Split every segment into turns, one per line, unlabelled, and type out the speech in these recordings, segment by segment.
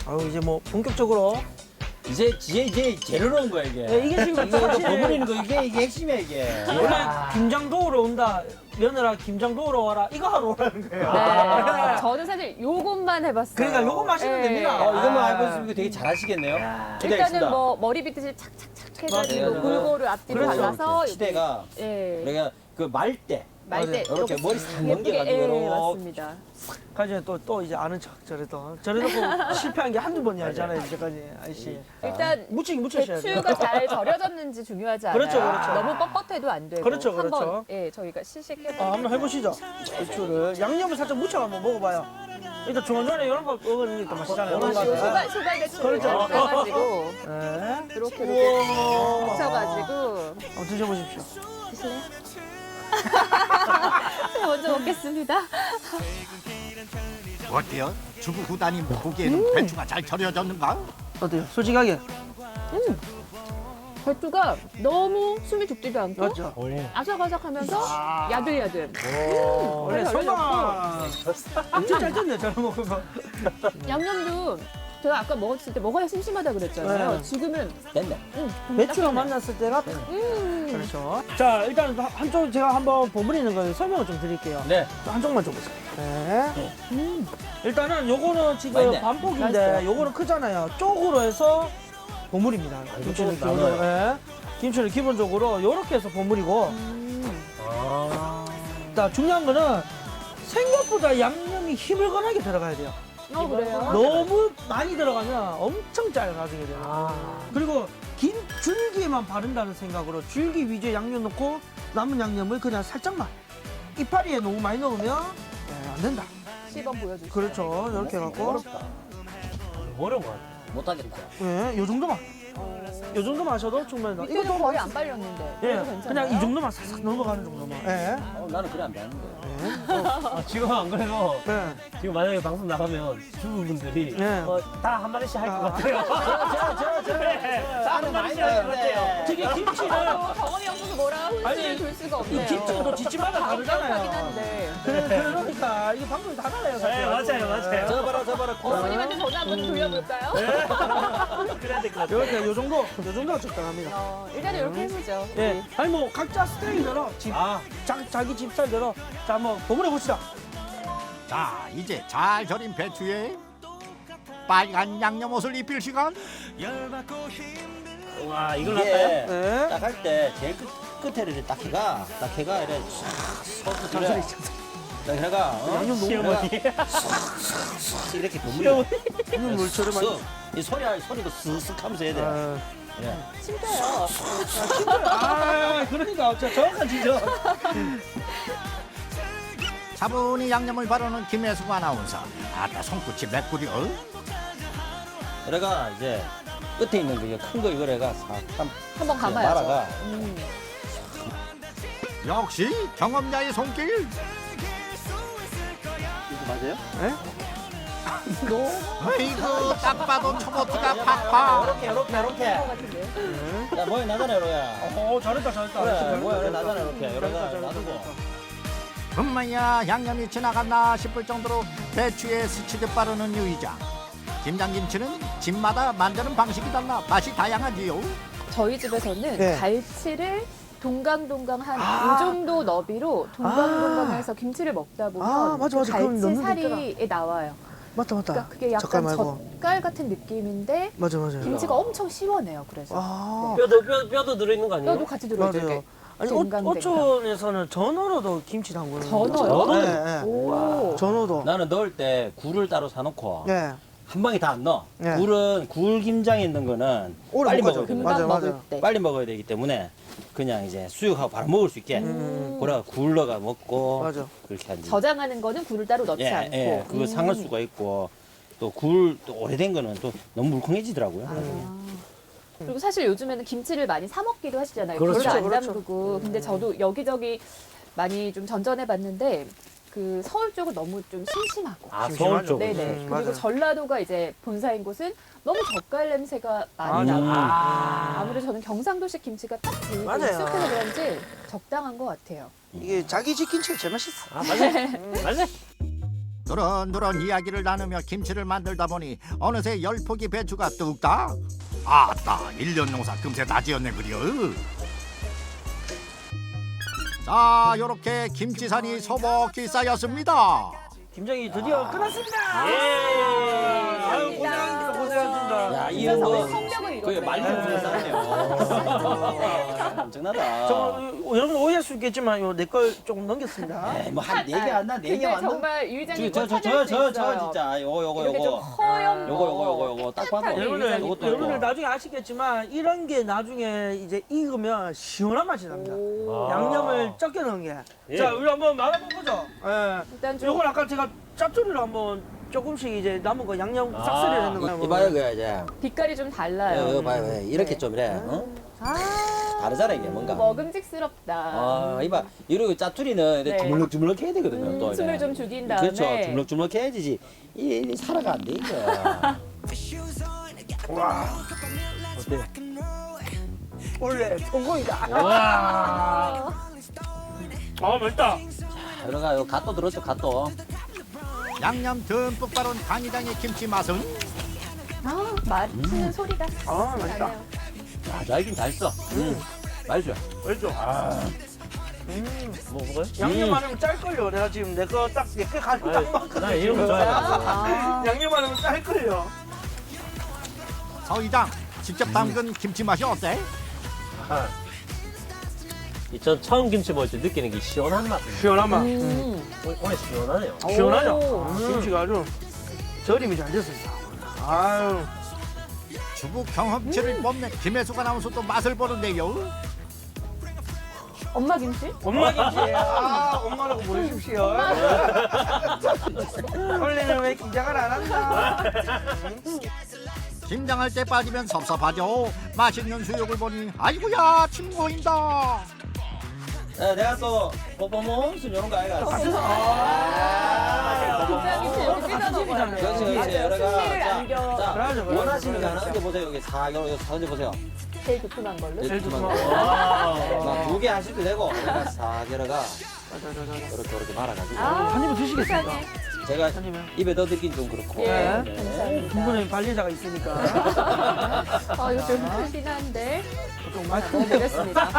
아유 이제 뭐 본격적으로
이제 재료 넣은 거야 이게.
네, 이게 지금
이거
사실
버무리는 거 이게 핵심이야 이게.
원래 김장 도우러 온다 며느라 김장 도우러 와라 이거 하러 오라는 거예요.
네. 저는 사실 요것만 해봤어요.
그러니까 요것만 하시면 됩니다.
이것만 알고 있으면 되게 잘하시겠네요. 기대하겠습니다.
일단은 뭐 머리 빗듯이 착착착 해가지고
맞아요.
골고루 앞뒤로
그렇죠.
발라서
시대가
예.
우리가 그 말 때
말대
이렇게 머리 싹
예쁘게,
넘겨가지고
예,
이렇게.
맞습니다.
가지 또 이제 아는 척 저래놓고 실패한 게 한두 번이 아니잖아요 이제까지 아저씨.
일단
묻히긴 묻혀셔야 돼요.
배추가 잘 절여졌는지 중요하지 않아요.
그렇죠, 그렇죠.
너무 뻣뻣해도 안 되고.
그렇죠, 그렇죠.
한번 예, 저희가 시식해보고.
한번 해보시죠. 배추를 양념을 살짝 묻혀 한번 먹어봐요. 일단 중간중간에 이런 거 먹으니까 맛있잖아요.
소갈 배추
그렇죠.
넣어가지고
네.
이렇게
우와.
묻혀가지고
한번 드셔보십시오.
드실래요? 먼저 먹겠습니다.
어때요? 주부 구단이 보기에는 배추가 잘 절여졌는가?
어때요? 솔직하게.
배추가 너무 숨이 죽지도 않고
맞죠?
아삭아삭하면서 야들야들.
원래
잘
성방 엄청 잘 됐네 저런 먹으면.
양념도 제가 아까 먹었을 때 먹어야 심심하다 그랬잖아요.
네.
지금은
됐네.
배추랑 만났을 때가 그렇죠. 자 일단 한쪽 제가 한번 버무리는 걸 설명을 좀 드릴게요.
네.
한쪽만 줘보세요. 네. 일단은 요거는 지금
맛있네.
반폭인데
맛있어요.
요거는 크잖아요. 쪽으로 해서 버무립니다. 김치를
이거 또
기본적으로. 네. 김치를 기본적으로 요렇게 해서 버무리고 자, 중요한 거는 생각보다 양념이 희물건하게 들어가야 돼요.
그래요?
너무 많이 들어가면 엄청 짧아지게 돼요. 그리고 긴 줄기에만 바른다는 생각으로 줄기 위주의 양념 넣고 남은 양념을 그냥 살짝만 이파리에 너무 많이 넣으면 안 된다.
시범 보여주세요.
그렇죠. 이렇게 해갖고
어려운 거 같아. 못하겠다.
요 정도만. 요 정도만 하셔도 충분히.
이거는 거의 안 빨렸는데.
예,
그래도 괜찮아요?
그냥 이 정도만 싹싹 넘어가는 정도만. 예.
나는 그래 안 되는데.
지금 안 그래도
네.
지금 만약에 방송 나가면 주부분들이
네.
다 한 마디씩 할 것 같아요. 다 한 마디씩 할 것 같아요.
되게 김치를
경험이 없어서 뭐라 훈수를 둘 수가
이
없네요.
김치가 또 집집마다
하긴
다르잖아요.
한데.
그러니까 이게 방법이 다 달라요. 사실.
네, 맞아요.
저봐라.
어머님한테 전화 한번 돌려볼까요?
그래야 될 것 같아요.
이렇게 요 정도가 적당합니다.
일단은 이렇게 해보죠.
예. 아니 뭐 각자 스타일대로 자기 집 스타일대로 자 한번 버무려 봅시다.
자, 이제 잘 절인 배추에 빨간 양념 옷을 입힐 시간.
와, 이걸 할까요?
이게
네.
딱 할 때 제일 끝에를 이렇게 딱 해가 이래 싹
잔소리.
딱 해가
양념 너무
시어머니.
이렇게 버무려.
양념 물처럼 많이.
이 소리도 쓱쓱 하면서 해야 돼.
아,
예.
진짜요.
그러니까 정확한 지적.
차분히 양념을 바르는 김혜숙 아나운서. 아따 손끝이 맥구려.
이래가 이제 끝에 있는 거 이거 큰 거 이걸 해가 싹
한번 감아야죠.
말아가.
역시 경험자의 손길.
맞아요?
아이고 딱 봐도 초보티가 팍팍.
이렇게. 야 뭐야 나잖아 로야.
잘했다.
그래 뭐야 그래 나잖아 이렇게
잘했다.
놔두고.
엄마야 양념이 지나갔나 싶을 정도로 배추에 스치듯 바르는 유이장. 김장김치는 집마다 만드는 방식이 달라 맛이 다양하지요.
저희 집에서는
네.
갈치를 동강동강 한 이 정도 너비로 동강동강해서 김치를 먹다 보면
맞아.
그
그럼 넣는
갈치
데
살이 나와요.
맞다.
그러니까 그게
젓갈
약간
말고.
젓갈 같은 느낌인데
맞아요.
김치가 엄청 시원해요. 그래서
아,
뼈도 들어있는 거 아니에요?
뼈도 같이 들어있어요.
맞아요.
이렇게.
아니
댕강댕강.
어촌에서는 전어로도 김치 담그는
전어요?
거. 네.
오.
전어도.
나는 넣을 때 굴을 따로 사놓고
네.
한 방에 다 안 넣어.
네.
굴 김장에 있는 거는
오래
빨리
못 가죠.
먹어야 돼.
금방
맞아요.
먹을 때.
빨리 먹어야 되기 때문에 그냥 이제 수육하고 바로 먹을 수 있게 그래 굴 넣어가 먹고
맞아.
그렇게 하지.
저장하는 거는 굴을 따로 넣지 않고.
예, 그거 상할 수가 있고 또 굴 또 오래된 거는 또 너무 물컹해지더라고요.
그리고 사실 요즘에는 김치를 많이 사 먹기도 하시잖아요.
그렇죠.
굴을 안
그렇죠.
담그고. 근데 저도 여기저기 많이 좀 전전해 봤는데 그 서울 쪽은 너무 좀 심심하고.
서울 쪽.
네네. 그리고
맞아요.
전라도가 이제 본사인 곳은 너무 젓갈 냄새가 많이 나고. 아무래도 저는 경상도식 김치가 딱 들고
맞아요.
익숙해서 그런지 적당한 것 같아요.
이게 자기 집 김치가 제일 맛있어.
맞아.
누런누런 이야기를 나누며 김치를 만들다 보니 어느새 10포기 배추가 뚝딱. 아따 1년 농사 금세 다 지었네 그려. 자 요렇게 김치산이 소복히 쌓였습니다.
김장이 드디어 끝났습니다.
예.
아유 고생하셨습니다.
야,
진짜
이거 뭐
성벽을
거의
이뤘네.
말리는 쌓네요. 엄청나다.
여러분 오해할 수 있겠지만 내 걸 조금 넘겼습니다.
뭐한 4개 안 나? 4개
근데
안 나?
정말 유 이장님 거 찾을 수
저
있어요.
진짜 요거
이렇게 좀 허연
요거 딱 봐도
여러분들
요것도
여러분들
요거.
나중에 아시겠지만 이런 게 나중에 이제 익으면 시원한 맛이 납니다.
오.
양념을 적게 넣은 게.
예.
자 우리 한번 말아보 보죠. 예.
일단 좀
요걸 아까 제가 짭조리로 한번 조금씩 이제 남은 거 양념 싹쓸이를 했는 거예요.
이봐요 그래 이제.
빛깔이 좀 달라요.
이거 봐요. 이렇게 좀 이래. 어?
아,
다르잖아 이게 뭔가.
먹음직스럽다.
아, 이봐. 이러고 짜투리는
네.
주물럭주물럭 해야 되거든요. 또 이래.
숨을 좀 죽인 다음에
그렇죠. 주물럭주물럭 해야지. 이 살아가 안 돼 이거.
어때?
원래 성공이다.
와. 아 맛있다.
이러가 요 갓도 들었죠 갓도.
양념 듬뿍 바른 간이장의 김치 맛은
아, 맛있는 소리가
아 맛있다.
나네요.
아, 잘긴 잘 써. 맛있어.
맛있죠? 뭐 먹어요?
양념 안 하면 짤걸요. 내가 지금 내 거 딱 몇 개 가지고 딱 먹거든.
나 이런 거 좋아해.
아,
양념 안 하면 짤걸요.
서 이장 직접 담근 김치 맛이 어때?
전 처음 김치 먹을 때 느끼는 게 시원한 맛.
시원한 맛.
오늘 시원하네요.
시원하죠?
오.
김치가 아주 절임이 잘 됐습니다. 아유.
주부 경험치를 뽐낸 김혜숙 아나운서도 맛을 보는데요.
엄마 김치?
엄마 김치. 아, 엄마라고 부르십시오. 원래는 왜 김장을 안 한다?
김장할 때 빠지면 섭섭하죠. 맛있는 수육을 보니 아이고야 침 고인다.
내가 또 뽀뽀몬순 이런 거 아이가.
김장 김치 이렇게 찢어 먹어요.
그렇지 그렇지. 여러가
풍미를 안겨.
그러죠,
원하시는 거
그러죠.
하나 얹어 보세요. 여기 사 여기 얹어 보세요.
제일 두툼한 걸로.
제일 두툼한 거.
와.
2개 하셔도 되고 여기가 사 여러가 이렇게 말아가지고
한 입은 드시겠습니까?
세상에.
제가
아니면
입에 넣어드긴 좀 그렇고.
예,
네.
감사합니다.
분분히 관리자가 있으니까
아, 이거 좀 크긴 한데.
좀 많이
먹어보겠습니다.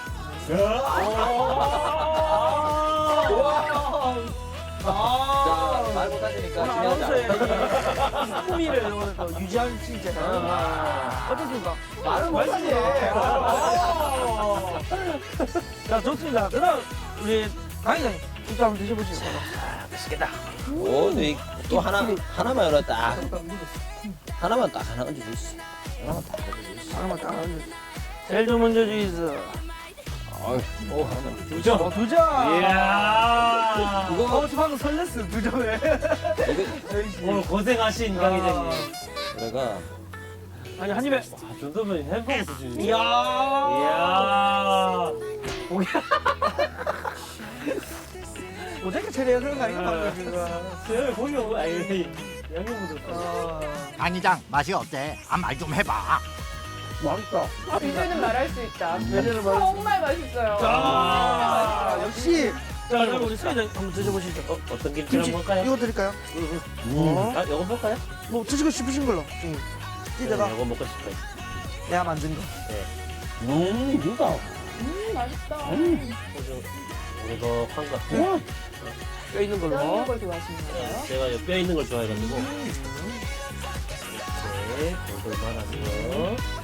자, 말 못하시니까
오늘
중요하지
아나운서의
않아요.
이 품위를 오늘 또 유지할 수 있게 어떻습니까?
말을 못하지.
자 좋습니다. 그다음 우리 강의장님 이거 한번 드셔보시죠.
맛있겠다.
오, 또 하나만 열어 딱. 하나만 딱 하나 얹어주시. 하나만 딱 얹어주시.
하나만 딱 제일 좀 먼저 주이스.
오, 하나만.
두 점.
두 점.
이야.
이거
저 방금 설렜어 두 점에.
이거
오늘 고생하신 강의장님.
내가
아니 한 입에.
아, 정도면 햄버거 수준이네.
이야.
이야.
어떻게 처리해야 되는 거 아닌가 방금 지금.
저 고기 먹고 아니 양념 묻었어.
간이장 맛이 어때? 말 좀 해봐.
맛있다.
이제는 말할 수 있다.
이제는 말할 수
정말 맛있어요.
아 역시. 자 그럼 우리 수희장 한번 드셔보시죠.
어떤 김치를
김치
먹을까요?
이거 드릴까요?
아, 이거 먹을까요?
뭐 드시고 싶으신 걸로. 찌다가
이거 먹고 싶어요.
내가 만든 거.
이거
맛있다.
오래덕한 것 같아요.
뼈 있는 걸로.
뼈 있는 걸 좋아하시는 거예요?
제가 뼈 있는 걸 좋아해가지고 이렇게 골골 말아서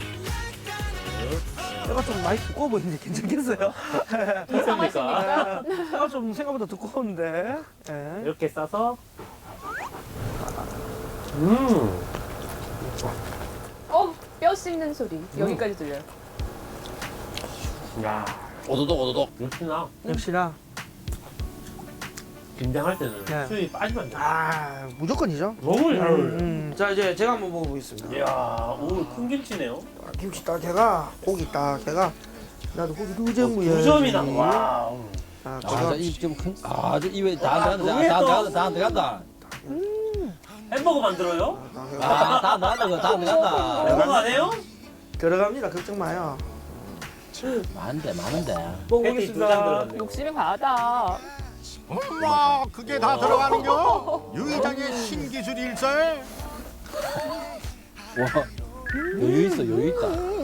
뼈가 좀 많이 두꺼워 보이는데 괜찮겠어요?
이상하십니까?
뼈가 좀 생각보다 두꺼운데. 예.
이렇게 싸서
뼈 씹는 소리. 여기까지 들려요.
야
오도독.
역시나
역시나.
김장할 때는
네.
수육이 빠지면 안 돼.
아 무조건이죠.
너무 잘 어울려.
자 이제 제가 한번 먹어보겠습니다.
이야, 오, 큰 김치네요.
김치 딱 해가 고기 딱 해가 나도 고기 두 점이야.
두 점이나. 와우.
아,
아,
제가
이좀 큰. 아, 저 입에 다 들어간다.
햄버거 만들어요?
다 들어간다.
햄버거 안 해요?
들어갑니다. 걱정 마요.
많은데.
패티 2장
먹어보겠습니다.
들어갔네.
욕심이 과하다.
엄마 그게 다 들어가는겨? 유 이장의 신기술일세.
와 여유 있어 여유 있다.